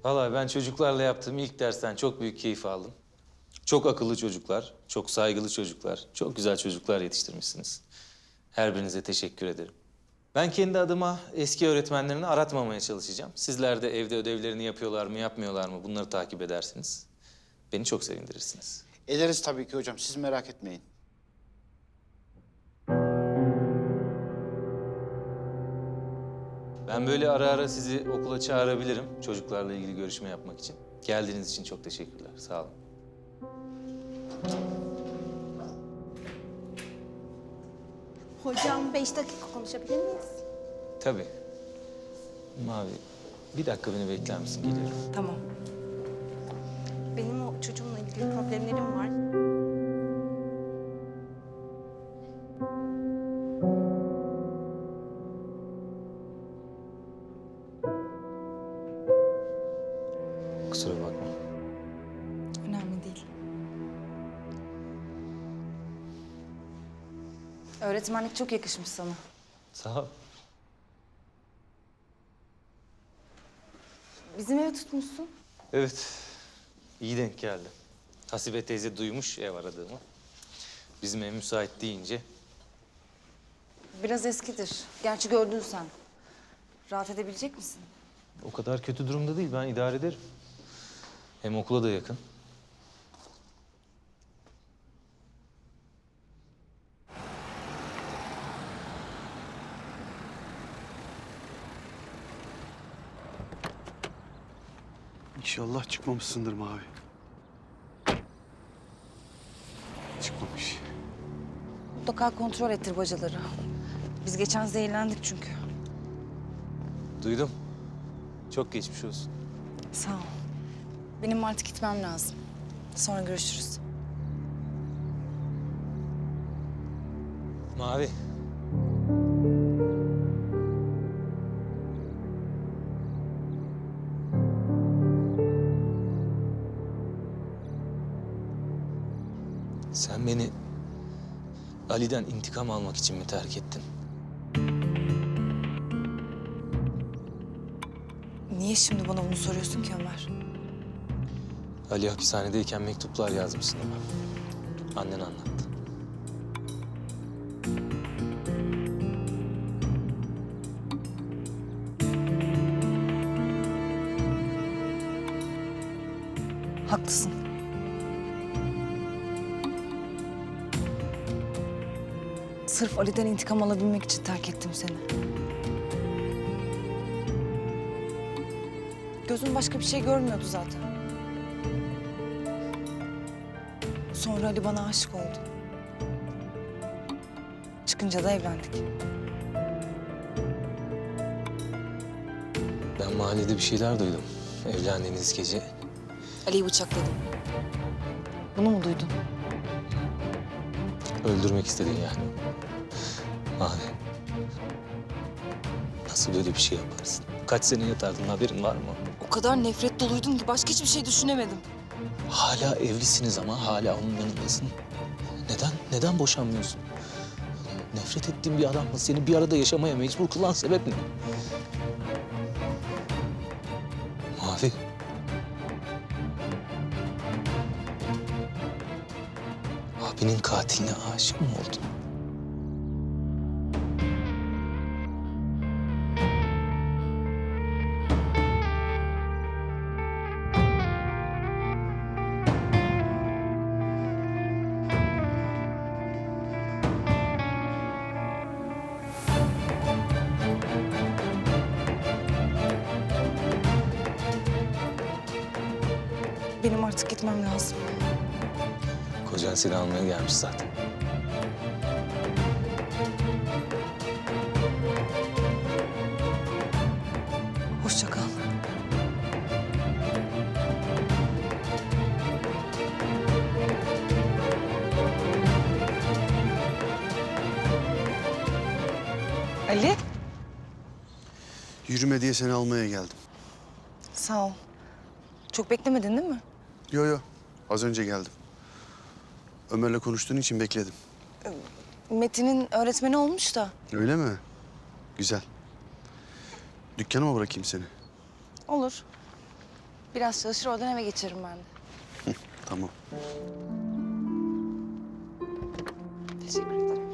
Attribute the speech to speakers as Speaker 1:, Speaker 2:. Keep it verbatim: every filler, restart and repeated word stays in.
Speaker 1: Vallahi ben çocuklarla yaptığım ilk dersten çok büyük keyif aldım. Çok akıllı çocuklar, çok saygılı çocuklar, çok güzel çocuklar yetiştirmişsiniz. Her birinize teşekkür ederim. Ben kendi adıma eski öğretmenlerini aratmamaya çalışacağım. Sizler de evde ödevlerini yapıyorlar mı, yapmıyorlar mı bunları takip edersiniz. Beni çok sevindirirsiniz.
Speaker 2: Ederiz tabii ki hocam. Siz merak etmeyin.
Speaker 1: Ben böyle ara ara sizi okula çağırabilirim çocuklarla ilgili görüşme yapmak için. Geldiğiniz için çok teşekkürler. Sağ olun.
Speaker 3: Hocam beş dakika konuşabilir miyiz?
Speaker 1: Tabii. Mavi, bir dakika beni bekler misin? Geliyorum.
Speaker 3: Tamam. Benim o çocuğumla ilgili problemlerim var.
Speaker 1: Kusura bakma.
Speaker 4: Önemli değil. Öğretmenlik çok yakışmış sana.
Speaker 1: Sağ ol.
Speaker 4: Bizim evi tutmuşsun.
Speaker 1: Evet, iyi denk geldi. Hasibe teyze duymuş ev aradığımı. Bizim ev müsait deyince
Speaker 4: Biraz eskidir. Gerçi gördün sen. Rahat edebilecek misin?
Speaker 1: o kadar kötü durumda değil. Ben idare ederim. Hem okula da yakın.
Speaker 5: İnşallah çıkmamışsındır Mavi. Çıkmamış.
Speaker 4: Mutlaka kontrol ettir bacaları. Biz geçen zehirlendik çünkü.
Speaker 1: Duydum. Çok geçmiş olsun.
Speaker 4: Sağ ol. Benim artık gitmem lazım. Sonra görüşürüz.
Speaker 1: Mavi. Sen beni Ali'den intikam almak için mi terk ettin?
Speaker 4: Niye şimdi bana bunu soruyorsun ki Ömer?
Speaker 1: Ali hapishanedeyken mektuplar yazmışsın ona. Annen anlattı.
Speaker 4: Haklısın. Sırf Ali'den intikam alabilmek için terk ettim seni. Gözüm başka bir şey görmüyordu zaten. Sonra Ali bana aşık oldu. Çıkınca da evlendik.
Speaker 1: Ben mahallede bir şeyler duydum. Evlendiğiniz gece.
Speaker 4: Ali'yi bıçakladım. Bunu mu duydun?
Speaker 1: Öldürmek istedin yani. Mavi. Nasıl böyle bir şey yaparsın? Kaç sene yatardın haberin var mı?
Speaker 4: O kadar nefret doluydum ki başka hiçbir şey düşünemedim.
Speaker 1: Hala evlisiniz ama hala onun yanındasın. Neden? Neden boşanmıyorsun? Nefret ettiğin bir adamla seni bir arada yaşamaya mecbur kılan sebep ne? Mavi. Abinin katiline aşık mı oldun?
Speaker 4: Benim artık gitmem lazım.
Speaker 1: Kocan seni almaya gelmiş zaten.
Speaker 4: Hoşça kal. Ali,
Speaker 5: Yürüme diye seni almaya geldim.
Speaker 4: sağ ol. Çok beklemedin değil mi?
Speaker 5: Yo yo, az önce geldim. Ömer'le konuştuğun için bekledim.
Speaker 4: Metin'in öğretmeni olmuş da.
Speaker 5: Öyle mi? Güzel. Dükkana mı bırakayım seni?
Speaker 4: Olur. Biraz çalışır oradan eve geçerim ben de.
Speaker 5: Tamam.
Speaker 4: Teşekkür ederim.